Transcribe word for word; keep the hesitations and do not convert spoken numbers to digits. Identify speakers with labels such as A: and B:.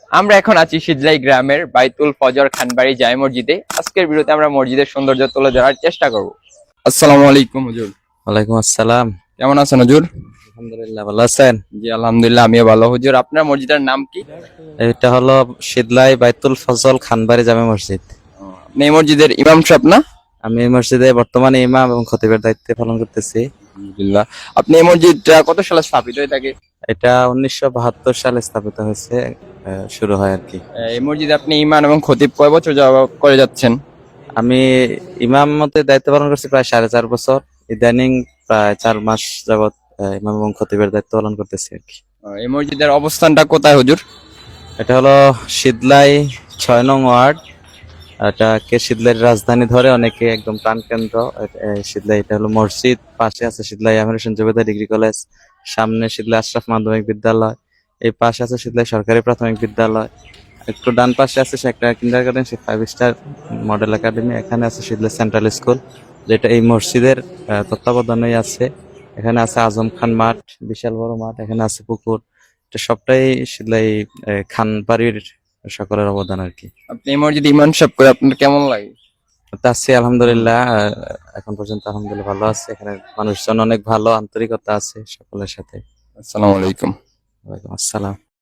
A: আমরা এখন আছি সিজলাই গ্রামের বাইতুল ফজর খানবাড়ি জামে মসজিদে। আজকের ভিডিওতে আমরা মসজিদের সৌন্দর্য তুলে ধরার চেষ্টা করব। আসসালামু আলাইকুম হুজুর।
B: ওয়ালাইকুম আসসালাম।
A: কেমন আছেন হুজুর?
B: আলহামদুলিল্লাহ, ভালো আছেন?
A: জি আলহামদুলিল্লাহ, আমিও ভালো। হুজুর, আপনার মসজিদের নাম কি?
B: এটা হলো সিদলাই বাইতুল ফজল খানবাড়ি জামে মসজিদ।
A: আপনি এই মসজিদের ইমাম সাহেব না?
B: আমি এই মসজিদে বর্তমানে ইমাম এবং খতিবের দায়িত্বে পালন করতেছি।
A: আলহামদুলিল্লাহ। আপনি এই মসজিদটা কত সালে স্থাপিত হয়ে থাকে?
B: এটা উনিশশো বাহাত্তর সালে স্থাপিত হয়েছে, আহ, শুরু হয় আর কি।
A: এই মসজিদে আপনি ইমাম এবং খতিব কয় বছর যাবত করে যাচ্ছেন?
B: আমি ইমাম মতে দায়িত্ব পালন করছি প্রায় সাড়ে চার বছর। ইদানিং প্রায় চার মাস যাবত আহ, ইমাম এবং খতিবের দায়িত্ব পালন করতেছি আর কি।
A: এই মসজিদের অবস্থানটা কোথায় হুজুর?
B: এটা হলো সিদলাই ছয় নং ওয়ার্ড। এটাকে সিদলাইয়ের রাজধানী ধরে অনেকে একদম প্রাণকেন্দ্র। এ- এ সিদলাই, এটা হলো মসজিদ, পাশে আছে সিদলাই আমির হোসেন জুবেদা ডিগ্রি কলেজ, সামনে সিদলাই আশরাফ মাধ্যমিক বিদ্যালয়, এই পাশে আছে সিদলাই সরকারি প্রাথমিক বিদ্যালয়, একটু ডান পাশে আছে সে একটা কিন্ডার গার্ডেন, সে ফাইভ স্টার মডেল একাডেমি, এখানে আছে সিদলাই সেন্ট্রাল স্কুল, যেটা এই মসজিদের আহ, তত্ত্বাবধানেই আছে। এখানে আছে আজম খান মাঠ, বিশাল বড় মাঠ, এখানে আছে পুকুর। এটা সবটাই সিদলাই আহ, খান বাড়ির সকলের অবদান আর কি।
A: আপনি এই মসজিদে ইমাম সাহেব করে আপনার কেমন লাগে?
B: তা আছি আলহামদুলিল্লাহ, আহ, এখন পর্যন্ত আলহামদুলিল্লাহ ভালো আছে। এখানে মানুষজন অনেক ভালো, আন্তরিকতা আছে সকলের সাথে।
A: আসসালামু আলাইকুম।
B: ওয়ালাইকুম আসসালাম।